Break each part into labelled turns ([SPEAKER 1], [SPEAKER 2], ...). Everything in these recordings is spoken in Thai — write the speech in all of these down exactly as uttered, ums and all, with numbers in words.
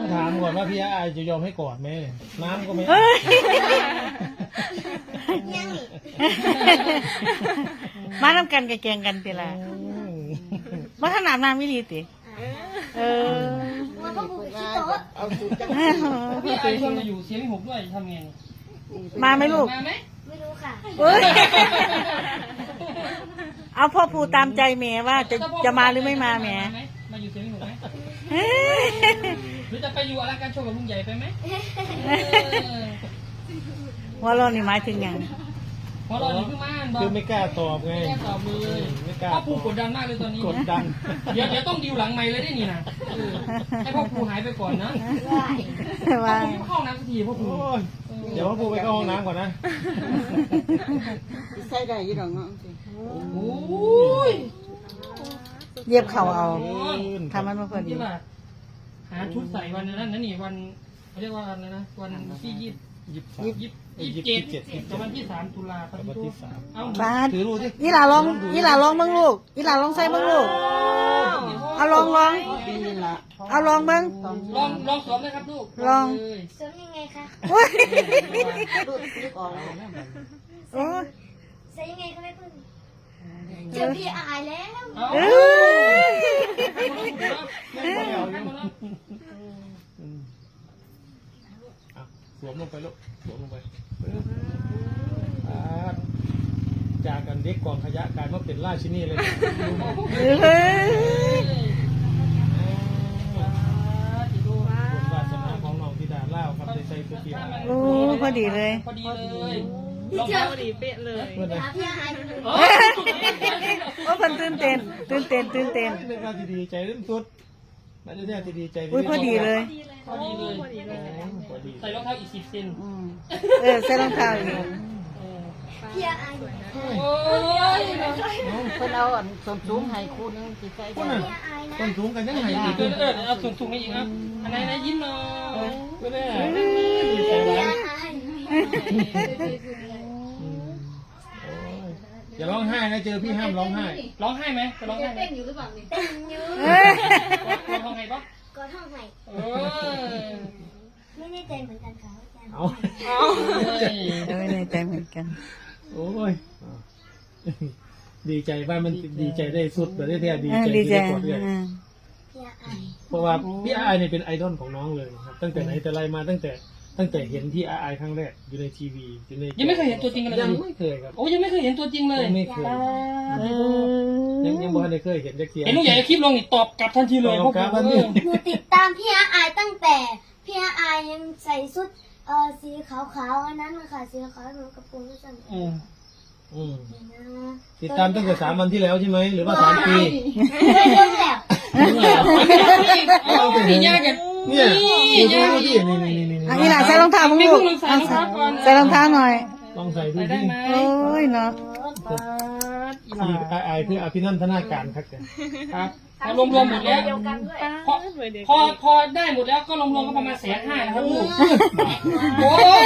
[SPEAKER 1] ถามก่อนว่าพี่อาจะยอมให้กอดไหมน้ำก็ไม่
[SPEAKER 2] มาทำกันกับแกงกันติละมาขนาดน้ำไม่ดีติเออ
[SPEAKER 3] เอาสุดจัง
[SPEAKER 4] พี่ไอ้ชวนมาอยู่เสียงหกด้วยทำไง
[SPEAKER 2] มาไหมลูก
[SPEAKER 4] มาไหม
[SPEAKER 5] ไม่รู้ค่ะ
[SPEAKER 2] เอ้ยเอาพ่อปู่ตามใจแม่ว่าจะจะมาหรือไม่มาแม่
[SPEAKER 4] มาอยู่เสียงหกไหม
[SPEAKER 2] เฮ้ย
[SPEAKER 4] หรือจะไปอยู่อะไรการโชว์กับลุงใหญ่ไปไหม
[SPEAKER 2] ว่าเรานี่หมายถึงอย่าง
[SPEAKER 4] เพราะเราอยู่ที่บ้าน
[SPEAKER 1] คือไม่กล้าตอบไง
[SPEAKER 4] แค่ตอบเลย
[SPEAKER 1] ไม่กล้า
[SPEAKER 4] พ่อปู่กดดันมากเลยตอนนี้
[SPEAKER 1] กดดัน
[SPEAKER 4] เดี๋ยวเดี๋ยวต้องดิวหลังไมค์เลยได้นี่นะให้พ่อปู่หายไปก่อนนะพ่อ
[SPEAKER 2] ว่า
[SPEAKER 4] ปู่ไม่เข้าน้ำสักทีพ่อปู่
[SPEAKER 1] โอ้ยเดี๋ยวพ่อปูไปเข้าห้องน้ำก่อนนะ
[SPEAKER 3] ใส่ได้ยี่ดอกเนาะ
[SPEAKER 4] โอ้ย
[SPEAKER 2] เย็บเข่าเอาทำมันมาพอดี
[SPEAKER 4] ที่ว่าหาชุดใส่วันนั้นนั่นนี่วันเขาเรียกว่าอะไรนะวันที่ยี่
[SPEAKER 1] ยี่สิบสาม
[SPEAKER 4] ยี่สิบยี่สิบเจ็ดกับวันที่สามตุลาคม
[SPEAKER 1] วันที่สาม
[SPEAKER 4] เอา
[SPEAKER 2] บาส
[SPEAKER 1] ถือรูสิ
[SPEAKER 2] ยี่หล่าลองยี่หล่าลองเบิ้งลูกยี่หล่าลองใส่เบิ้งลูกเอาลองลอง
[SPEAKER 3] ปีนี้ละ
[SPEAKER 2] เอาลองเบิ้ง
[SPEAKER 4] ลองลองสวมเลยครับลูก
[SPEAKER 2] ลอง
[SPEAKER 4] เลย
[SPEAKER 5] เสริมยังไงคะ
[SPEAKER 2] โอ้ย
[SPEAKER 3] ลูกลูกออกแล้ว
[SPEAKER 2] โอ้ย
[SPEAKER 5] ใส่ยังไงคะแม่พึ่งเจอพี่อายแล้ว
[SPEAKER 4] เอา
[SPEAKER 2] เอ้ย
[SPEAKER 1] อืมอ่ะสวมลงไปลูกสวมลงไปอ่าจากกันเด็กกองขยะกลายมาเป็นราชินีเลย
[SPEAKER 2] เฮ้ย
[SPEAKER 1] บุญวาสนาของน้องธิดาเล่าครับในใจคือเพียง
[SPEAKER 2] โอ้พอดีเลย
[SPEAKER 4] พอดีเลยลอง
[SPEAKER 5] เจอ
[SPEAKER 4] พอดีเป๊ะเลย
[SPEAKER 1] เพื่อนนะ
[SPEAKER 5] หาพี่อายเลย
[SPEAKER 4] โอ้
[SPEAKER 2] โอ้เพิ่นตื่นเต้นตื่นเต้นตื่นเต้น
[SPEAKER 1] เป็นการที่ดีใจเรื่องสุดนั่นจะที่ดีใจ
[SPEAKER 2] อุ้ยพอดีเลย
[SPEAKER 4] พอดีเลย
[SPEAKER 1] พอดี
[SPEAKER 4] ใส่รองเท้าอีกสิบเซน
[SPEAKER 3] อืม
[SPEAKER 2] เออใส่รองเท้าอีก
[SPEAKER 5] พี่อายอยู่
[SPEAKER 4] โอ้ย
[SPEAKER 3] เพิ่นเอาอันส่วนสูงให้คู่นึงสิใส่
[SPEAKER 1] คน
[SPEAKER 3] ได้
[SPEAKER 1] น่ะ
[SPEAKER 5] พี่อายนะ
[SPEAKER 1] ต้นสูงกันยังไงอีก
[SPEAKER 4] เออเออเอาถุงถุงให้อีกอ่ะอันไหนนะยิ้มหน่อย
[SPEAKER 1] ไม่ได้ดีใจ
[SPEAKER 5] พี่
[SPEAKER 1] ร้าย
[SPEAKER 5] อาย
[SPEAKER 1] อย่าร้องไห้นะเจอพี่ห้ามร้องไห้
[SPEAKER 4] ร้องไห้ไหมจะร้องไห้ไหม
[SPEAKER 5] เต้นอยู่
[SPEAKER 2] เอ้ย
[SPEAKER 4] ร้องไห้ปะ
[SPEAKER 5] ก็ท่องใหม่
[SPEAKER 4] เออ
[SPEAKER 5] ไม่แน่ใจเหมือนกันค่ะอาจารย์
[SPEAKER 1] เอา
[SPEAKER 2] เออในใจเหมือนกัน
[SPEAKER 1] โอ้ยดีใจว่ามันดีใจได้สุดแบบได้แท้ดี
[SPEAKER 2] เออ
[SPEAKER 1] ใจ
[SPEAKER 2] ดี
[SPEAKER 1] ที่
[SPEAKER 2] ใจ
[SPEAKER 1] ได้กอดเลย
[SPEAKER 2] อ่า
[SPEAKER 5] พี่อาย
[SPEAKER 1] เพราะว่าพี่อายเนี่ยเป็นไอดอลของน้องเลยครับตั้งแต่ไหนแต่ไรมาตั้งแต่ตั้งแต่เห็นพี่อายครั้งแรกอยู่ในทีวีอยู่ใน
[SPEAKER 4] ยังไม่เคยเห็นตัวจริงกันเลย
[SPEAKER 1] ยังไม่เคยครับ
[SPEAKER 4] โอ้ยังไม่เคยเห็นตัวจริงเลย
[SPEAKER 1] ยังไม่เคย
[SPEAKER 2] เอ
[SPEAKER 1] ยัง
[SPEAKER 2] อ
[SPEAKER 1] ยังบ่ทันได้เคยเห็นจักเทีย
[SPEAKER 4] เห็นลุงใหญ่คลิปลงนี่ตอบกลับทันทีเลย
[SPEAKER 1] ตอบกลับทันที
[SPEAKER 5] หนูติดตามพี่อายตั้งแต่พี่อายยังใส่ชุดเอ่อสีขาวๆอันนั้นเลยค่ะสีขาวหนูกระโปรงสั้น
[SPEAKER 4] เออ
[SPEAKER 1] อืม
[SPEAKER 5] ๆนะ
[SPEAKER 1] ติดตามตั้งแต่สามวันที่แล้วใช่ไหมหรือว่าสามปี
[SPEAKER 5] ไม่เรื่องแล้ว
[SPEAKER 4] เอาพี่ยากัน
[SPEAKER 1] เนี่ย
[SPEAKER 4] นี่
[SPEAKER 1] ดู
[SPEAKER 4] ยา
[SPEAKER 1] ดู
[SPEAKER 4] กัน
[SPEAKER 1] ดินี่นี่นี่นี่
[SPEAKER 2] อันนี้ล่ะใส่รองเท้ามึง
[SPEAKER 4] ไม่
[SPEAKER 2] ลูก
[SPEAKER 4] เพิ่งลงใส่รองเท้าก่อน
[SPEAKER 2] ใส่รองเท้าหน่อย
[SPEAKER 1] ลองใส่ดู
[SPEAKER 4] ใส่ได้
[SPEAKER 1] ดิ
[SPEAKER 4] ไหม
[SPEAKER 2] โอ้ยเนาะ
[SPEAKER 1] ที่อายคืออภินันทนาการครับแก
[SPEAKER 4] ครับพอรวมรวมหมดแล้วพอพอพอได้หมดแล้วก็รวมรวมก็ประมาณแสนห้านะครับลูกโอ้ย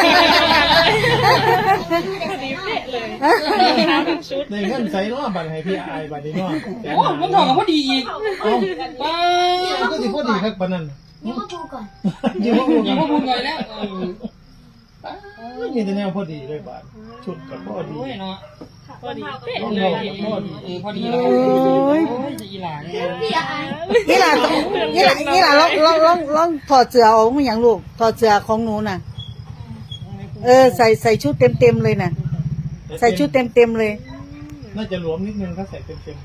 [SPEAKER 1] ในเงื่อนใส่เนาะบัตรให้พี่อายบัตรนี้เนาะ
[SPEAKER 4] โอ้ยมันถอดกับพอดีอีก
[SPEAKER 1] เอ้า
[SPEAKER 4] ป้า
[SPEAKER 1] ก็สิพอดีครับปานนั้น
[SPEAKER 5] นี่ก็ดูก่อน
[SPEAKER 1] อยู่ว่า
[SPEAKER 4] อย่าพูดพูดเลยแล้วเออ
[SPEAKER 1] มีแต่แนวพอดีเลยบาทชุดกับพอดี
[SPEAKER 4] โอ้ยเนาะ
[SPEAKER 5] พอดีเป๊ะ
[SPEAKER 1] ต้อง
[SPEAKER 4] เล
[SPEAKER 1] บอย กพอดี
[SPEAKER 4] เออพอดีแล้ว
[SPEAKER 2] โอ้ย
[SPEAKER 4] โอ้ยจะอีหลาน
[SPEAKER 5] พี่อาย
[SPEAKER 2] นี่ล่ะนี่ล่ะนี่ล่ะลองลองลองลองถอดเสื้อออกมาอย่างลูกถอดเสื้อของหนูน่ะ เออใส่ใส่ชุดเต็มเต็มๆเลยน่ะ ใส่ชุดเต็มเต็มๆเลย
[SPEAKER 1] น่าจะหลวมนิดนึงถ้าใส่เต็มเต็ม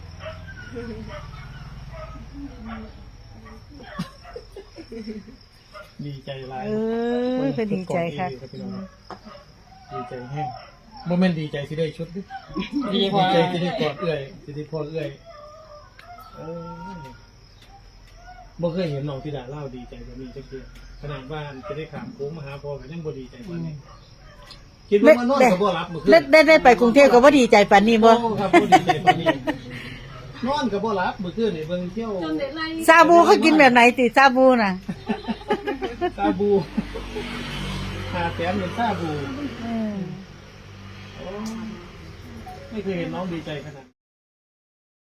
[SPEAKER 1] ดีใจร้าย
[SPEAKER 2] เออเป็นดีใจค่ะ
[SPEAKER 1] ดีใจแห้งโมเมนต์ดีใจสิได้ชุดดิ
[SPEAKER 4] ดี
[SPEAKER 1] ดี
[SPEAKER 4] กว่า
[SPEAKER 1] ใจสิได้กอดเอื้อยสิได้พอเอื้อยเออบ่เคยเห็นน้องธิดาเล่าดีใจแบบนี้จักเทื่อขนาดบ้านจะได้ขามโค้งมาหาพ่อก็ยังบ่ดีใจปานนี้คิดว่ามานอนก็บ่รับเมื่อคืน
[SPEAKER 2] ได้ได้ได้ไปกรุงเทพก็ว่าดีใจปานนี้บ่
[SPEAKER 1] โอ้ครับบ่ดีใจปานนี้นอนก็บ่รับเมื่อคืนนี่เบิ่งเที่ยว
[SPEAKER 2] ซาบูเขากินแบบไหนติซาบูน่ะ
[SPEAKER 1] ซาบูหาแสนเป็นซาบู
[SPEAKER 2] อืม
[SPEAKER 1] โอ้ไม่เคยเห็นน้องดีใจขนาด